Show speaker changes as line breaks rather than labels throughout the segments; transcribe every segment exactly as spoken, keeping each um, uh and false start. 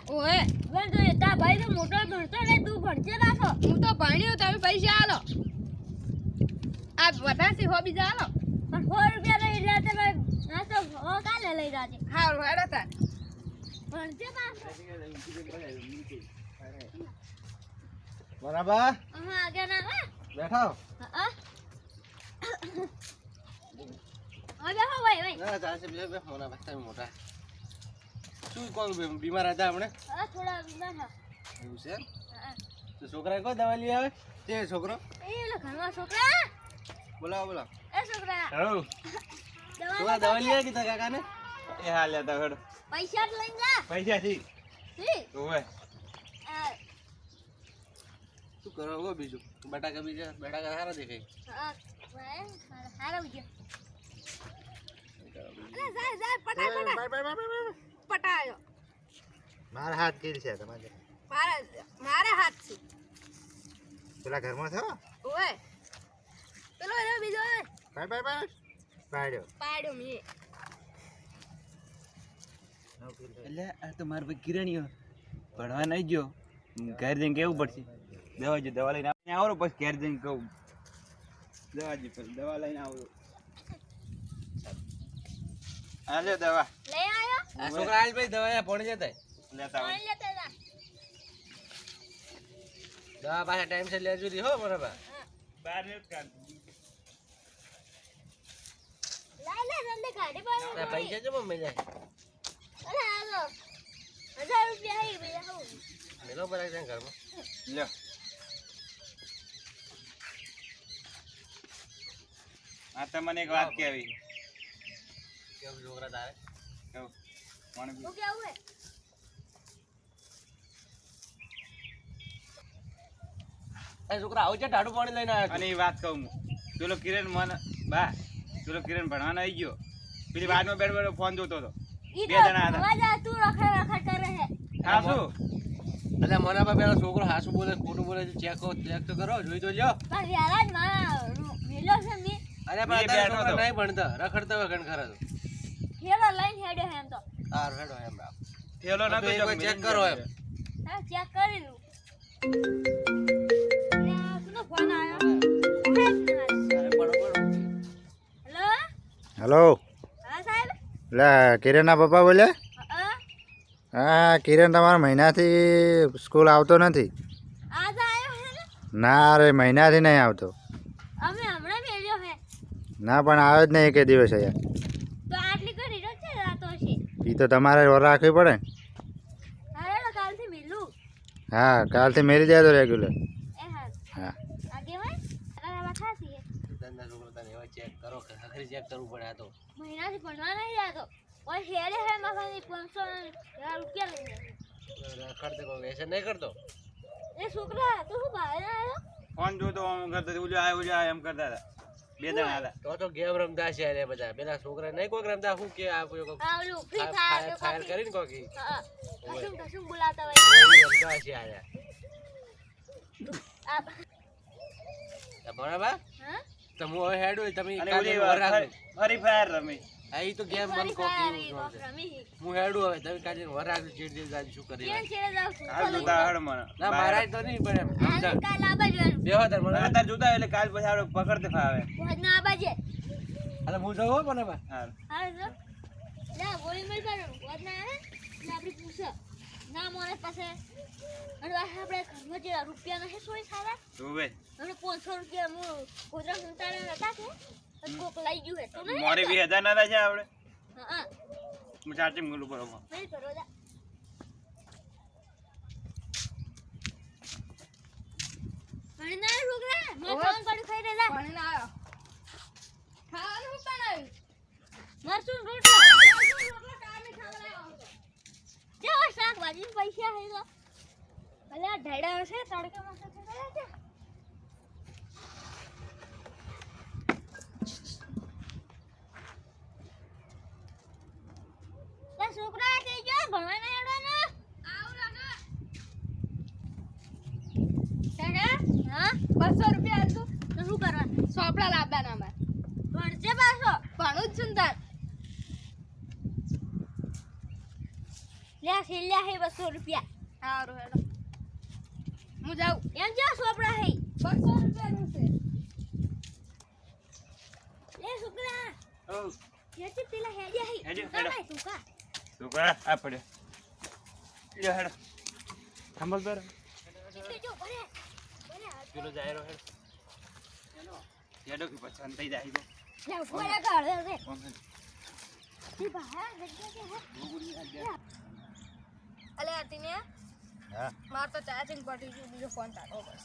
ઓએ વેન તો તા ભાઈ તો મોટો ભણતો ને તું ભણજે પાછો હું તો ભણ્યો તમે પૈસા આલો આ વધારથી હો બીજા આલો પણ સો રૂપિયા લઈ જા તમે ના તો હો કાલે લઈ જાજે હારું હેડો તા ભણજે પાછો
બરાબર
હા આગળ ના
બેઠો
હા હા બેહો ભાઈ ભાઈ
ના ચાલશે બે બે મોના બસ્તા મોટા શું કોણ બીમાર હતા હમણે
હા થોડા બીમાર હા
એવું છે
હા
તો છોકરા કો દવા લઈ આવે તે છોકરો
એ લો ઘરમાં છોકરા
બોલાવો બોલાવો
એ છોકરા
હાઉ છોકરા દવા લઈ આવે કીધા કાકા ને એ હા લેતા હેડો
પૈસા જ લઈને જા
પૈસા થી
ઠીક
ઓય
આ
શું કરો હો બીજું બટાકા બીજા બટાકા સારા દેખાય
હા ભાઈ હારા ઉજે અરે જાય જાય પટાય પટાય પટાયો
મારા હાથ કેરી છે તમારે
મારા મારા હાથ છે
પેલા ઘરમાં થયો
ઓય પેલો એનો બીજો ઓય
બાય બાય બાય પાડ્યો
પાડ્યો મે
એટલે આ તો મારા ભાઈ કિરણીઓ ભણવા નહીં ગયો ઘર જઈને કેવું પડશે દવા જો દવા લઈને આવો પછી ઘેર જઈને કહું દવા જો પેલી દવા લઈને આવો હા લે દવા
લઈ આયો
આ છોકરા આજ ભાઈ દવા ભણી જતા
લેતા આવો
પાણી લેતા જા
દવા પાછા ટાઈમ છે લેજો રી હો બરાબર
બાર ને કાઢ
લાઈ લે જલ્દી કાઢી પાડો
આ પૈસા જો મમ્મી જાય
અરે હાલો હજાર રૂપિયા હે બીજા હું
મેલો બરાબર છે ઘરમાં
લ્યો આ તમને એક વાત કહેવી
કેવું છોકરા તારે
કહું કોણ
હું કેવું હે
એ છોકરા આવું છે ટાડું પાણી લઈને આવ્યો
અને એ વાત કહું હું પેલો કિરણ મને બા પેલો કિરણ ભણવાનો આવી ગયો પેલી બાજુમાં બેઠો બેઠો ફોન જોતો હતો
ઈ
બે
તો
જણા હતા.
મજા તું રખડ રખડ કરે હે
હા શું
એટલે મને પણ પેલો છોકરો હાસું બોલે ખોટું બોલે ચેક ચેક તો કરો જોઈ તો લ્યો
પણ યાર જ માં મેલો છે મે
અરે
મેં
પણ અત્યારે
બેઠો
છોકરા
હતો.
નહીં ભણતા રખડતા હોય ઘણ ખરા તો
હેલો લઈને હેડે હે એમ તો
હા રેડો એમ રાખ
થેલો
તો
નતો
એક વાર
જગ
ચેક
મિલિંદ
કરો
જતો.
એમ.
હા ચેક કરી લઉં ને કોનો ફોન આવ્યો
અરે પડો પડો
હેલો
હેલો
હા સાહેબ
એટલે કિરણના પપ્પા બોલ્યા
હા
હા કિરણ તમારા મહિનાથી સ્કૂલ આવતો નથી
આજ આવ્યો હે ને
ના રે મહિનાથી નહીં આવતો
અમે હમણાં મેલ્યો હે
ના પણ આવે જ નહીં એકે દિવસ અહીંયા
તો આટલી કરી રહ્યો છે રાતો છે
એ તો તમારે વર રાખવી પડે ને.
અરે તો કાલથી મેલું
હા કાલથી મેળી જાય તો રેગ્યુલર
એ હા
હા
આગે ભાઈ અરે વખા છે
ધંધા છોકરા તને એવા ચેક કરો કે આખરી ચેક કરવું પડે આ તો
મહિનાથી ભણવા નહીં જાતો ઓય હેડે હે મારી પાંચસો રૂપિયા લઈ જાય
રખડતે કોઈ વ્યસન નહીં કરતો
એ છોકરા તું શું બહાર આવ્યો
ફોન જોતો આમ કરતો હતો, ઉલ્યો આય ઉલ્યો આય એમ કરતા હતા બે જણા હતા
તો તો ગેમ રમતા છે અરે બધા પેલા છોકરા નહીં કોઈક રમતા શું કે આ કોઈ કોક
આ ઓલું ફ્રી
ફાયર
ફાયર
ફાયર કરીને કોકી
હા કશું કશું બોલાતા હોય
રમતા છે આયા
આ
બરાબર
હા
તો હું હવે હેડું તમે
અને
કાલે
ઓલી
વર રાખજો.
ફરી ફાયર રમી
આ ઈ તો ગેમ મન
ફરી
કોક
ફાયર
એવું
એ
જોડે.
રમી
હું હેડું હવે તમે કાલે વર રાખજો ચીડ ચીડ જાજો શું કરી
કેમ છેડે જાવ છું
હાલ જોતા હડ મને
ના મારા તો નહીં પણ એમ
આજે કાલ આ બાજુ
બેહો તાર મને
અત્યારે જોતા એટલે કાલ પછી આપણે પકડતે ફાવે
ભોજ ના આ બાજુ
અરે હું જાઉં હો પણ હવે
હાલ
હા જો લા ગોળી મળી પાડો ભોજ ના આવે ને આપણી પૂછો ના મોરે પાસે અને આ આપણે ઘરમાં જે રૂપિયા નથી સોય ખાવા
તું બે
હવે પાંચસો રૂપિયા હું ગોદરા સંતાડે હતા કે તો કોક લઈ ગયું હે તો નહીં
મોરે વીસ હજાર ના થાય છે આપણે
હા
હું ચાર્જિંગ મૂકું બરોબર
નહીં કરો જા ભણી ના છોકરા મેં ફોન કરી ખાઈ રે જા ભણી ના આવ્યો ખાવાનું શું બનાવ્યું મરચું રોટલો રોટલો કામે ખાવડાવ્યો કેવો શાકભાજી પૈસા હે તો ભલે આ ઢેડા હશે તડકામાં છે છે છોકરા થઈ ગયો ભણવા ના હેડવાનો આવ લાગા કાકા હા બસો રૂપિયા આલતું તો શું કરવા સોપડા લાવવાના અમાર ભણજે પાછો ભણું જ છું તાર લે છેલ્લા હે બસો રૂપિયા.
સારું હેડો હું જાઉં.
એમ જો સોપડા હે
બસો રૂપિયાનું છે.
લે છોકરા
ઓ
યાચી પેલા હેડ્યા હે
હેડ્યો,
તું કા
હેડો.
ભાઈ તું કા
તું કા આ પડ્યો લ્યો હેડો થંભલ પર
એટલે જો ભરે ભરે
પેલો જાયરો હેડો હેડો કે પસંદ થઈ જાય તો
લે ભરે કાઢ રે
કોણ છે?
ઈ બહાર જગ્યા છે હે
અલે આ તીને
હા
માર તો ચાર્જિંગ પડી ગયું બીજો ફોન કાઢો બસ.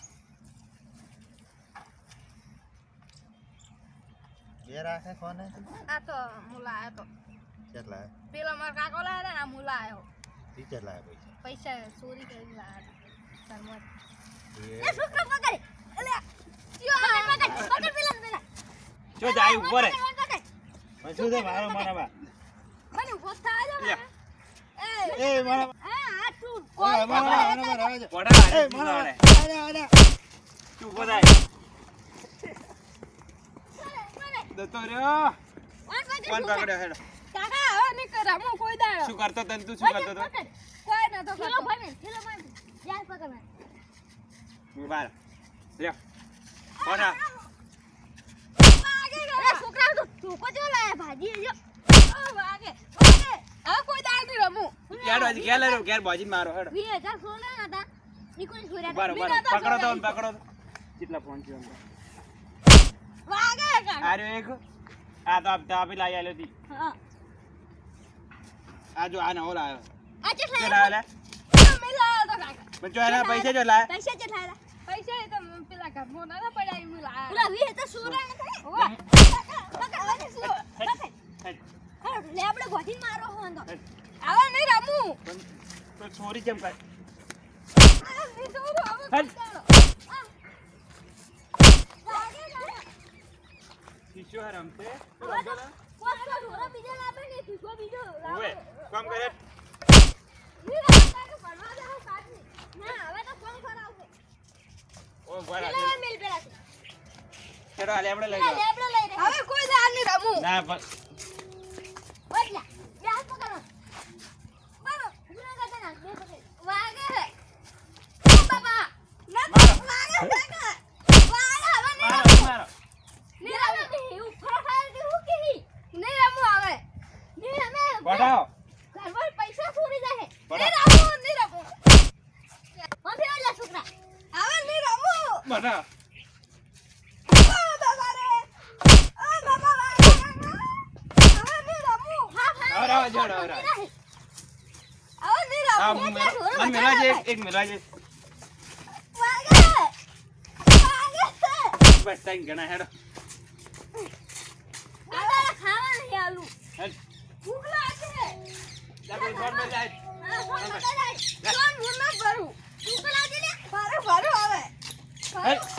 બે રાખે કોને
આ તો મુલા આયો તો
કેટલા
પેલા માર કાકો લાયા ને આ મુલા આયો
ટીચર લાવે પૈસા
પૈસા ચોરી કરી લાયા સરમત.
લે છોકરા પકડ અલે યો પકડ પકડ પેલા પેલા
જો જાય ઉપર હે.
પકડ
શું છે મારો મારા
મને ઉભો થા જો
લે.
એ
એ મારા
હા આ તું
મારા મારા મારા
પોડા હારે
એ
તું
મારા
હારે.
આડા આડા
તું બોલાય દતો રહ્યો કોણ પકડ્યો હેડો
કાકા હવે નહીં કરા હું કોઈ દાડો
શું કરતો તને તું શું કરતો તો
કોઈ નતો
કિલો
કરતો.
ભમે કિલો ભમે યાર પકડ મને
હું બાર લ્યો પોડા
અરે છોકરા તું તું કો જો લાયા ભાજી જો
ઓ વાગે વાગે હવે કોઈ દાડો નહીં રમું.
યાડો હજી ઘેર લેરો ઘેર બાજી મારો હેડો
વીસ હજાર સોના હતા નીકળી છોર્યા
બાર બાર પકડો તો પકડો તો કેટલા ફોન છે અંદર
વાગે કાકા.
આર્યો એક આ તો આપતા આપી લાઈ આલ્યો તી
હા
આ જો આ નવો લાયો
આ ચે
જો
લાયા
લાયો લે
તમે લાવો તો કાકા.
પણ જો એના પૈસા જો લાય
પૈસા ચે લાયા
પૈસા એ તો પેલા ઘરમાં નતા પડ્યા એમ લાયા.
ઓલા વીસ હજાર સોના હતા
ઓવા.
પકડ હવે શું પકડ
હેડ,
હા લે આપણે ગોઠીને મારો હોન તો
હેડ.
હવે નહીં રમું.
પણ તો ચોરી કેમ કરે
આ નહીં જોઉં, હવે
હેડ.
કોઈ દાડો.
લાગે લાગે
શીશો હે રમતે
હવે તો કોણ ઢોરા બીજા લાવે ને તું બીજો લાવો
ઓવે કામ કરે
ની રાતા કે ભણવા જાવ સાથી ના હવે તો કોણ કરાવશે
ઓ બરા
પેલા મેલ પેલા
ચલો હાલે આપણે લઈ
લે
જાઓ
આપણે લઈ રે
હવે કોઈ દાડો નહીં રમું.
ના પણ
બદલા બે હાથ પકડો મારો ગુના કરતા ના બે પકડ વાગે રે ઓ બાબા ના
મારો.
વાગે વાગે વાગે હવે નહીં
મારો
રમું.
મારો
નહીં રમું કે હું ફરફાર કે હું કે
નહીં રમું હવે.
નહીં અમે
પડાવો
ઘરમાં પૈસા ચોરી જાય
પડાવો
નહીં રમું, નહીં રમું.
મફે ઓલા છોકરા
હવે નહીં રમું.
બના
ઓ બાબા રે. ઓ બાબા વાગે કાકા. હવે નહીં રમું.
હા હા
હવે રાવ જોડો હવે રાવ
હવે નહીં
આ
રમું.
મેરા મન મેરા જે એક મેરા જે
વાગે. વાગે.
બસ ટાઈમ ગણા હેડો
આ ખાવા નહીં આલુ
હેડ
ભૂખ લાગે.
જા કોઈ ફોન માં જાય
આ ફોન બતાય
કોણ ભૂખ ના ભરું.
ભૂખ લાગી ને
ભરું ભરું હવે.
હેડ